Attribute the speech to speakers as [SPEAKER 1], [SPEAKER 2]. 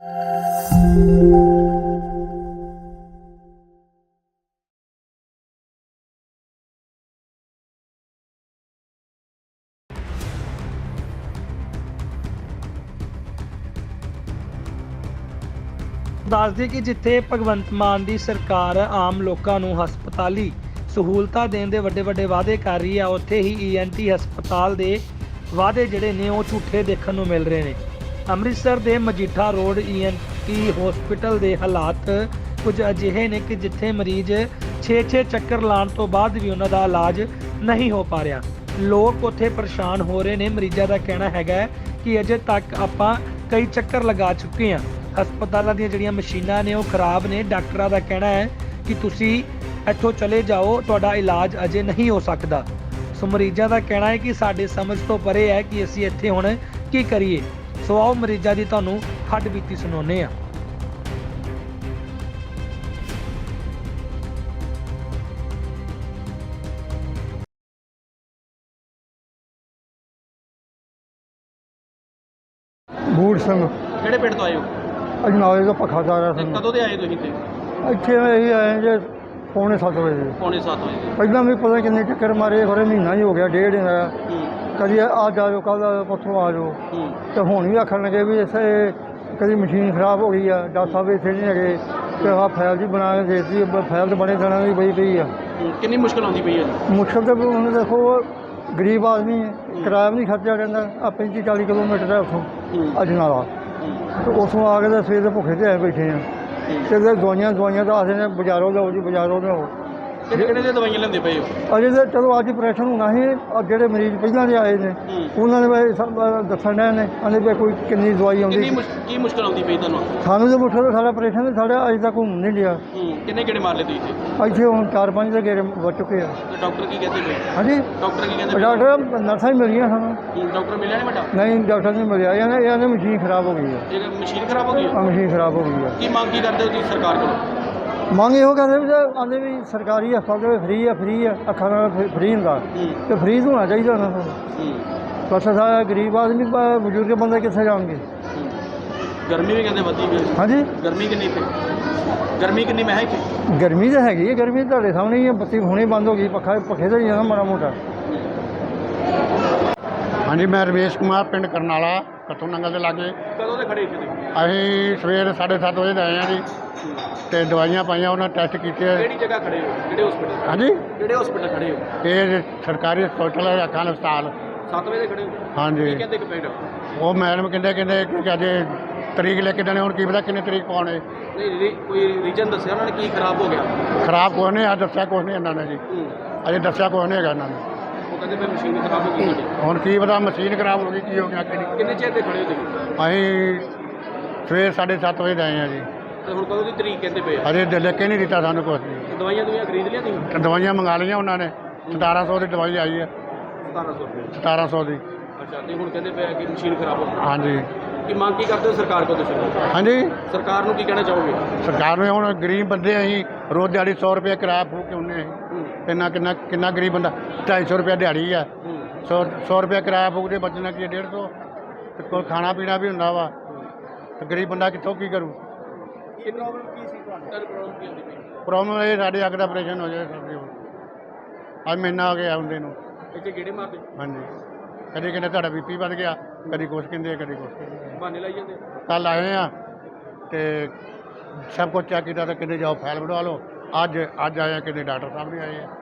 [SPEAKER 1] ਦੱਸ ਦਈਏ ਕਿ ਜਿੱਥੇ ਭਗਵੰਤ ਮਾਨ ਦੀ ਸਰਕਾਰ ਆਮ ਲੋਕਾਂ ਨੂੰ ਹਸਪਤਾਲੀ ਸਹੂਲਤਾਂ ਦੇਣ ਦੇ ਵੱਡੇ ਵਾਅਦੇ ਕਰ ਰਹੀ ਹੈ, ਉੱਥੇ ਹੀ ਈਐਨਟੀ ਹਸਪਤਾਲ ਦੇ ਵਾਅਦੇ ਜਿਹੜੇ ਨੇ ਉਹ ਝੂਠੇ ਦੇਖਣ ਨੂੰ ਮਿਲ ਰਹੇ ਨੇ। ਅੰਮ੍ਰਿਤਸਰ ਦੇ ਮਜੀਠਾ ਰੋਡ ਈਐਨਟੀ ਹਸਪਤਾਲ ਦੇ ਹਾਲਾਤ ਕੁਝ ਅਜਿਹੇ ਨੇ ਕਿ ਜਿੱਥੇ ਮਰੀਜ਼ 6-6 ਚੱਕਰ ਲਾਉਣ ਤੋਂ ਬਾਅਦ ਵੀ ਉਹਨਾਂ ਦਾ ਇਲਾਜ ਨਹੀਂ ਹੋ ਪਾ ਰਿਹਾ। ਲੋਕ ਉੱਥੇ ਪਰੇਸ਼ਾਨ ਹੋ ਰਹੇ ਨੇ। ਮਰੀਜ਼ਾਂ ਦਾ ਕਹਿਣਾ ਹੈਗਾ ਕਿ ਅਜੇ ਤੱਕ ਆਪਾਂ ਕਈ ਚੱਕਰ ਲਗਾ ਚੁੱਕੇ ਹਾਂ। ਹਸਪਤਾਲਾਂ ਦੀਆਂ ਜਿਹੜੀਆਂ ਮਸ਼ੀਨਾਂ ਨੇ ਉਹ ਖਰਾਬ ਨੇ। ਡਾਕਟਰਾਂ ਦਾ ਕਹਿਣਾ ਹੈ ਕਿ ਤੁਸੀਂ ਇੱਥੋਂ ਚਲੇ ਜਾਓ, ਤੁਹਾਡਾ ਇਲਾਜ ਅਜੇ ਨਹੀਂ ਹੋ ਸਕਦਾ। ਸੋ ਮਰੀਜ਼ਾਂ ਦਾ ਕਹਿਣਾ ਹੈ ਕਿ ਸਾਡੇ ਸਮਝ ਤੋਂ ਪਰੇ ਹੈ ਕਿ ਅਸੀਂ ਇੱਥੇ ਹੁਣ ਕੀ ਕਰੀਏ। ਸੋ ਆਓ ਮਰੀਜ਼ਾਂ ਦੀ ਤੁਹਾਨੂੰ ਹੱਡ ਬੀਤੀ ਸੁਣਾਉਂਦੇ ਹਾਂ।
[SPEAKER 2] ਬੂੜ ਸਿੰਘ
[SPEAKER 3] ਕਿਹੜੇ ਪਿੰਡ ਤੋਂ ਆਏ ਹੋ?
[SPEAKER 2] ਅਜਨਾਲੇ ਦਾ ਪੱਖਾ ਸਾਰਾ
[SPEAKER 3] ਤੇ
[SPEAKER 2] ਸਾਨੂੰ
[SPEAKER 3] ਕਦੋਂ ਦੇ ਆਏ ਤੁਸੀਂ ਇੱਥੇ?
[SPEAKER 2] ਇੱਥੇ ਅਸੀਂ ਆਏ ਜੇ ਪੌਣੇ 7 ਵਜੇ।
[SPEAKER 3] ਪੌਣੇ 7 ਵਜੇ।
[SPEAKER 2] ਪਹਿਲਾਂ ਵੀ ਪਤਾ ਕਿੰਨੇ ਚੱਕਰ ਮਾਰੇ, ਖਰੇ ਮਹੀਨਾ ਹੀ ਹੋ ਗਿਆ, ਡੇਢ ਹੋਇਆ।
[SPEAKER 3] ਹੂੰ
[SPEAKER 2] ਕਦੀ ਅੱਜ ਆ ਜਾਓ, ਕੱਲ੍ਹ ਪਰਸੋਂ ਆ ਜਾਓ,
[SPEAKER 3] ਹੂੰ
[SPEAKER 2] ਤੇ ਹੁਣ ਵੀ ਆਖਣ ਲੱਗੇ ਵੀ ਇਸੇ ਕਦੀ ਮਸ਼ੀਨ ਖਰਾਬ ਹੋ ਗਈ ਆ, ਡਾਕਟਰ ਸਾਹਿਬ ਇੱਥੇ ਨਹੀਂ ਹੈਗੇ, ਤੇ ਆਹ ਫਾਈਲ ਜੀ ਬਣਾ ਕੇ ਦੇ ਦਿੱਤੀ, ਫਾਈਲ ਤਾਂ ਬਣੇ ਦਿਨਾਂ ਦੀ ਪਈ ਆ।
[SPEAKER 3] ਕਿੰਨੀ ਮੁਸ਼ਕਲ ਆਉਂਦੀ ਪਈ ਹੈ ਜੀ?
[SPEAKER 2] ਮੁਸ਼ਕਲ ਤਾਂ ਹੁਣ ਦੇਖੋ, ਗਰੀਬ ਆਦਮੀ ਹੈ, ਕਿਰਾਇਆ ਵੀ ਨਹੀਂ ਖਰਚਿਆ ਜਾਂਦਾ। ਆ 35-40 ਕਿਲੋਮੀਟਰ ਹੈ ਉੱਥੋਂ ਅਜਨਾਲਾ, ਤੇ ਉੱਥੋਂ ਆ ਕੇ ਤਾਂ ਸਵੇਰ ਦੇ ਭੁੱਖੇ ਤੇ ਆਏ ਬੈਠੇ ਆ। ਤੇ ਦਵਾਈਆਂ ਦੱਸਦੇ ਨੇ ਬਾਜ਼ਾਰੋਂ ਲਿਆਓ ਜੀ, ਬਾਜ਼ਾਰੋਂ ਲਿਆਓ।
[SPEAKER 3] ਕਿਹੜੇ ਦੀਆਂ ਦਵਾਈਆਂ ਲੈਂਦੇ ਪਏ ਹੋ?
[SPEAKER 2] ਅਜੇ ਤਾਂ ਚਲੋ ਅੱਜ ਆਪਰੇਸ਼ਨ ਹੋਣਾ ਸੀ, ਜਿਹੜੇ ਮਰੀਜ਼ ਪਹਿਲਾਂ ਦੇ ਆਏ ਨੇ ਉਹਨਾਂ ਨੇ ਵੀ ਸਭ ਦੱਸਣ ਡਏ ਨੇ, ਕਹਿੰਦੇ ਵੀ ਕੋਈ ਕਿੰਨੀ ਦਵਾਈ ਆਉਂਦੀ।
[SPEAKER 3] ਕੀ ਮੁਸ਼ਕਲ ਆਉਂਦੀ ਪਈ ਤੁਹਾਨੂੰ?
[SPEAKER 2] ਸਾਨੂੰ ਤਾਂ ਮੁਸ਼ਕਲ ਸਾਡਾ ਆਪਰੇਸ਼ਨ ਸਾਡਾ ਅਜੇ ਤੱਕ ਘੁੰਮ ਨਹੀਂ ਲਿਆ।
[SPEAKER 3] ਕਿੰਨੇ ਕਿਹੜੇ ਮਾਰ ਲਏ ਤੁਸੀਂ ਇੱਥੇ?
[SPEAKER 2] ਇੱਥੇ ਹੁਣ 4-5 ਦੇ ਗੇੜੇ ਵੱਜ ਚੁੱਕੇ ਆ।
[SPEAKER 3] ਤੇ ਡਾਕਟਰ ਕੀ ਕਹਿੰਦੇ ਪਏ?
[SPEAKER 2] ਹਾਂਜੀ,
[SPEAKER 3] ਡਾਕਟਰ ਕੀ ਕਹਿੰਦੇ?
[SPEAKER 2] ਡਾਕਟਰ ਨਰਸਾਂ ਹੀ ਮਿਲੀਆਂ ਸਾਨੂੰ।
[SPEAKER 3] ਡਾਕਟਰ ਮਿਲਿਆ ਨਹੀਂ ਵੱਡਾ?
[SPEAKER 2] ਨਹੀਂ, ਡਾਕਟਰ ਨਹੀਂ ਮਿਲਿਆ। ਇਹਨਾਂ ਮਸ਼ੀਨ ਖਰਾਬ ਹੋ ਗਈ ਹੈ।
[SPEAKER 3] ਇਹ ਮਸ਼ੀਨ ਖਰਾਬ ਹੋ ਗਈ ਹੈ?
[SPEAKER 2] ਮਸ਼ੀਨ ਖਰਾਬ ਹੋ ਗਈ ਹੈ।
[SPEAKER 3] ਕੀ ਮੰਗ ਕੀ ਕਰਦੇ ਹੋ ਤੁਸੀਂ ਸਰਕਾਰ ਕੋਲੋਂ?
[SPEAKER 2] ਮੰਗ ਇਹੋ ਕਰਦੇ ਵੀ ਆਉਂਦੇ ਵੀ ਸਰਕਾਰੀ ਹਸਪਤਾਲ ਫਰੀ ਆ, ਅੱਖਾਂ ਨਾਲ ਫਰੀ ਹੁੰਦਾ, ਤੇ ਫਰੀ ਹੋਣਾ ਚਾਹੀਦਾ ਉਹਨਾਂ ਨੂੰ। ਬਸ ਸਾਰਾ ਗਰੀਬ ਆਦਮੀ, ਬਜ਼ੁਰਗ ਬੰਦੇ ਕਿੱਥੇ ਜਾਣਗੇ।
[SPEAKER 3] ਗਰਮੀ ਵੀ ਕਹਿੰਦੇ ਵਧੀ ਗਈ।
[SPEAKER 2] ਹਾਂਜੀ,
[SPEAKER 3] ਗਰਮੀ ਕਿੰਨੀ ਇੱਥੇ? ਗਰਮੀ ਕਿੰਨੀ ਮੈਂ ਇੱਥੇ?
[SPEAKER 2] ਗਰਮੀ ਤਾਂ ਹੈਗੀ ਹੈ। ਗਰਮੀ ਤੁਹਾਡੇ ਸਾਹਮਣੇ ਹੀ ਹੈ, ਬੱਤੀ ਹੁਣੇ ਬੰਦ ਹੋ ਗਈ, ਪੱਖੇ ਤਾਂ ਹੀ ਜਾਣਾ ਮਾੜਾ ਮੋਟਾ। ਹਾਂਜੀ, ਮੈਂ ਰਮੇਸ਼ ਕੁਮਾਰ, ਪਿੰਡ ਕਰਨਾਲਾ, ਕੱਥੋਂ ਨੰਗਲ ਦੇ ਲਾਗੇ।
[SPEAKER 3] ਕਦੋਂ ਦੇ ਖੜੇ ਇੱਥੇ?
[SPEAKER 2] ਅਸੀਂ ਸਵੇਰ 7:30 ਵਜੇ ਦੇ ਆਏ ਹਾਂ ਜੀ, ਤੇ ਦਵਾਈਆਂ ਪਾਈਆਂ, ਉਹਨਾਂ ਟੈਸਟ ਕੀਤੇ।
[SPEAKER 3] ਕਿਹੜੀ ਜਗ੍ਹਾ ਖੜੇ ਹੋ? ਕਿਹੜੇ ਹਸਪੀਟਲ?
[SPEAKER 2] ਹਾਂਜੀ,
[SPEAKER 3] ਕਿਹੜੇ ਹਸਪੀਟਲ ਖੜੇ ਹੋ?
[SPEAKER 2] ਇਹ ਸਰਕਾਰੀ ਹਸਪਤਾਲ ਹੈ, ਅੱਖਾਂ ਦਾ ਹਸਪਤਾਲ।
[SPEAKER 3] 7 ਵਜੇ ਖੜੇ ਹੋ?
[SPEAKER 2] ਹਾਂਜੀ।
[SPEAKER 3] ਕੀ ਕਹਿੰਦੇ ਕਿ ਪਿੰਡ?
[SPEAKER 2] ਉਹ ਮੈਡਮ ਕਹਿੰਦੇ ਕਿ ਅਜੇ ਤਰੀਕ ਲੈ ਕੇ ਦੇਣੇ, ਹੁਣ ਕੀ ਪਤਾ ਕਿੰਨੇ ਤਰੀਕ ਪਾਉਣੇ।
[SPEAKER 3] ਨਹੀਂ, ਕੋਈ ਰੀਜਨ ਦੱਸਿਆ ਉਹਨਾਂ ਨੇ ਕੀ ਖਰਾਬ ਹੋ ਗਿਆ?
[SPEAKER 2] ਖਰਾਬ ਕੁਛ ਨਹੀਂ ਆ, ਦੱਸਿਆ ਕੁਛ ਨਹੀਂ ਇਹਨਾਂ ਨੇ ਜੀ, ਅਜੇ ਦੱਸਿਆ ਕੁਛ ਨਹੀਂ ਹੈਗਾ ਇਹਨਾਂ ਨੇ।
[SPEAKER 3] ਉਹ ਕਹਿੰਦੇ ਫਿਰ ਮਸ਼ੀਨ ਖਰਾਬ ਹੋ ਗਈ ਤੁਹਾਡੀ।
[SPEAKER 2] ਹੁਣ ਕੀ ਪਤਾ ਮਸ਼ੀਨ ਖਰਾਬ ਹੋ ਗਈ, ਕੀ ਹੋ ਗਿਆ ਕਿ ਨਹੀਂ।
[SPEAKER 3] ਕਿੰਨੇ ਚਿਰ ਦੇ ਖੜੇ ਹੋ ਤੁਸੀਂ?
[SPEAKER 2] ਅਸੀਂ ਸਵੇਰ 7:30 ਵਜੇ ਦੇ ਆਏ ਹਾਂ ਜੀ।
[SPEAKER 3] ਤੇ ਹੁਣ ਕਦੋਂ ਦੀ ਤਰੀਕ ਕਹਿੰਦੇ ਪਏ ਆ?
[SPEAKER 2] ਅਜੇ ਲਿਖ ਕੇ ਨਹੀਂ ਦਿੱਤਾ ਸਾਨੂੰ ਕੁਛ ਵੀ।
[SPEAKER 3] ਦਵਾਈਆਂ ਖਰੀਦ ਲਿਆ ਤੁਸੀਂ?
[SPEAKER 2] ਤੇ ਦਵਾਈਆਂ ਮੰਗਾ ਲਈਆਂ ਉਹਨਾਂ ਨੇ। 1700 ਦੀ ਦਵਾਈ ਆਈ ਹੈ।
[SPEAKER 3] 1700 ਰੁਪਏ?
[SPEAKER 2] 1700 ਦੀ।
[SPEAKER 3] ਅੱਛਾ, ਤੇ ਹੁਣ ਕਹਿੰਦੇ ਪਏ ਆ ਕਿ ਮਸ਼ੀਨ ਖਰਾਬ ਹੋ ਗਈ।
[SPEAKER 2] ਹਾਂਜੀ।
[SPEAKER 3] ਕੀ ਮੰਗ ਕੀ ਕਰਦੇ ਹੋ ਸਰਕਾਰ ਕੋਲ ਤੁਸੀਂ?
[SPEAKER 2] ਹਾਂਜੀ,
[SPEAKER 3] ਸਰਕਾਰ ਨੂੰ ਕੀ ਕਹਿਣਾ ਚਾਹੋਗੇ?
[SPEAKER 2] ਸਰਕਾਰ ਨੂੰ ਹੁਣ ਗਰੀਬ ਬੰਦੇ ਅਸੀਂ ਰੋਜ਼ ਦਿਹਾੜੀ 100 ਰੁਪਏ ਕਿਰਾਇਆ ਫੂਕ ਕੇ ਆਉਂਦੇ ਅਸੀਂ। ਕਿੰਨਾ ਗਰੀਬ ਬੰਦਾ, 250 ਰੁਪਏ ਦਿਹਾੜੀ ਆ, 100 ਰੁਪਏ ਕਿਰਾਇਆ ਫੂਕਦੇ, ਬਚਣਾ ਕੀ 150, ਤੇ ਕੋਲ ਖਾਣਾ ਪੀਣਾ ਵੀ ਹੁੰਦਾ ਵਾ, ਤੇ ਗਰੀਬ ਬੰਦਾ ਕਿੱਥੋਂ ਕੀ ਕਰੂ।
[SPEAKER 3] ਇਹ ਪ੍ਰੋਬਲਮ ਕੀ ਸੀ ਤੁਹਾਨੂੰ? ਪ੍ਰੋਬਲਮ ਕੀ ਹੁੰਦੀ ਪਈ?
[SPEAKER 2] ਪ੍ਰੋਬਲਮ ਇਹ ਸਾਡੇ ਅੱਗ ਦਾ ਆਪਰੇਸ਼ਨ ਹੋ ਜਾਏ ਸਾਡੇ ਹੁਣ। ਅੱਜ ਮਹੀਨਾ ਹੋ ਗਿਆ ਆਉਂਦੇ ਨੂੰ।
[SPEAKER 3] ਇੱਥੇ ਗੇੜੇ ਮਾਰਦੇ?
[SPEAKER 2] ਹਾਂਜੀ, ਕਦੇ ਕਹਿੰਦੇ ਤੁਹਾਡਾ BP ਵੱਧ ਗਿਆ, ਕਦੀ ਕੁਛ ਕਹਿੰਦੇ, ਕਦੀ ਕੁਛ ਕਹਿੰਦੇ।
[SPEAKER 3] ਬਹਾਨੇ ਲਾਈ ਜਾਂਦੇ?
[SPEAKER 2] ਕੱਲ੍ਹ ਆਏ ਆ ਤੇ ਸਭ ਕੁਝ ਚੈੱਕ ਕੀਤਾ, ਤਾਂ ਕਹਿੰਦੇ ਜਾਓ ਫਾਈਲ ਬਣਵਾ ਲਓ। ਅੱਜ ਆਏ ਆ, ਕਹਿੰਦੇ ਡਾਕਟਰ ਸਾਹਿਬ ਵੀ ਆਏ ਆ।